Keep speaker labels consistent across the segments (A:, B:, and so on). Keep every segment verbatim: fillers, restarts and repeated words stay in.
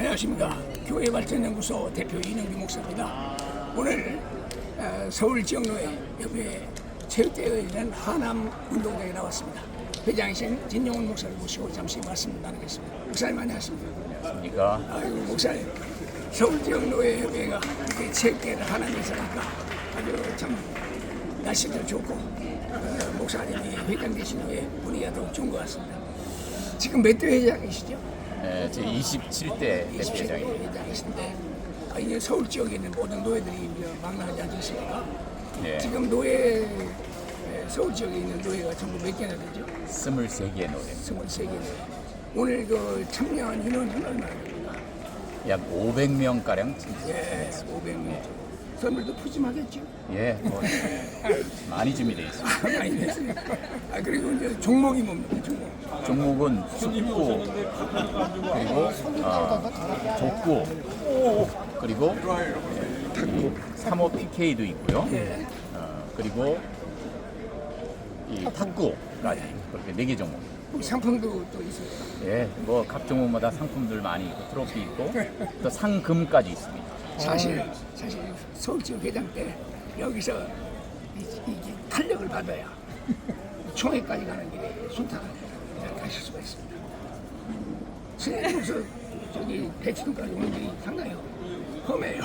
A: 안녕하십니까. 교회발전연구소 대표 이능규 목사입니다. 오늘 서울지역노회 체육대회에 열리는 하남 운동장에 나왔습니다. 회장이신 진용훈 목사를 모시고 잠시 말씀 나누겠습니다. 목사님 안녕하십니까.
B: 안녕하십니까.
A: 아이고 목사님, 서울지역노회가 이렇게 체육대회를 하남에서 하니까 아주 참 날씨도 좋고 어, 목사님이 회장 되신 후에 분위기가 더욱 좋은 것 같습니다. 지금 몇 대 회장이시죠?
B: 네, 제 이십칠 대
A: 이십칠 대
B: 대표장입니다.
A: 회장이신데 아, 이제 서울 지역에 있는 모든 노예들이 이제 망라하지 않겠습니까?
B: 네,
A: 지금 노예 에, 서울 지역에 있는 노예가 전부 몇 개나 되죠?
B: 스물세 개의 노래.
A: 스물세 개. 오늘 그 참여한 인원은 얼마나 됩니까?
B: 약 오백 명 가량
A: 예, 오백 명. 선물도 푸짐하겠죠?
B: 예, 뭐 많이 준비되어 있습니다.
A: 아, 많이 됐어요. 아 그리고 이제 종목이 뭡니까? 종목.
B: 종목은 축구 그리고 어, 족구 그리고 탁구 삼 호 피케이도 있고요.
A: 예.
B: 어, 그리고 이 탁구까지 그렇게 네 개 종목.
A: 상품도 또 있어요.
B: 예, 뭐 각 종목마다 상품들 많이 있고 트로피 있고 또 상금까지 있습니다.
A: 사실 사실 서울 지역 회장 때 여기서 이, 이 탄력을 받아야 총회까지 가는 길에 순탄하게 가실 수가 있습니다. 승리로서 저기 대치동까지 오는 길이 상당히 험해요.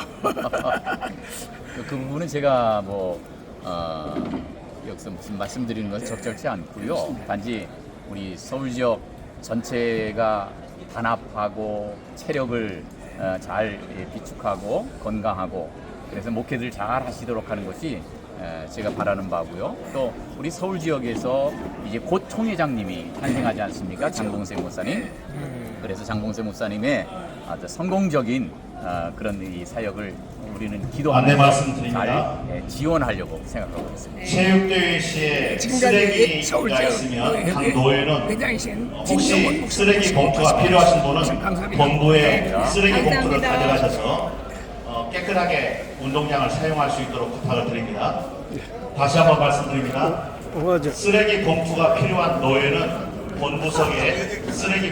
B: 그, 그 부분은 제가 뭐 어, 여기서 무슨 말씀드리는 것은 적절치 않고요. 단지 우리 서울 지역 전체가 단합하고 체력을 어, 잘 비축하고 건강하고 그래서 목회들 잘 하시도록 하는 것이 에, 제가 바라는 바고요. 또 우리 서울 지역에서 이제 곧 총회장님이 탄생하지 않습니까? 장봉세 목사님. 그래서 장봉세 목사님의 아주 성공적인 어, 그런 이 사역을 우리는
C: 안내
B: 기도하면서
C: 말씀드립니다.
B: 잘 예, 지원하려고 생각하고 있습니다.
C: 체육대회 시에 쓰레기가 있으면 각 노예는
A: 회장이신
C: 혹시 쓰레기 봉투가 필요하신 분은 본부에 쓰레기 봉투를 가져가셔서 어, 깨끗하게 운동장을 사용할 수 있도록 부탁을 드립니다. 다시 한번 말씀드립니다. 쓰레기 봉투가 필요한 노예는 본부석에 쓰레기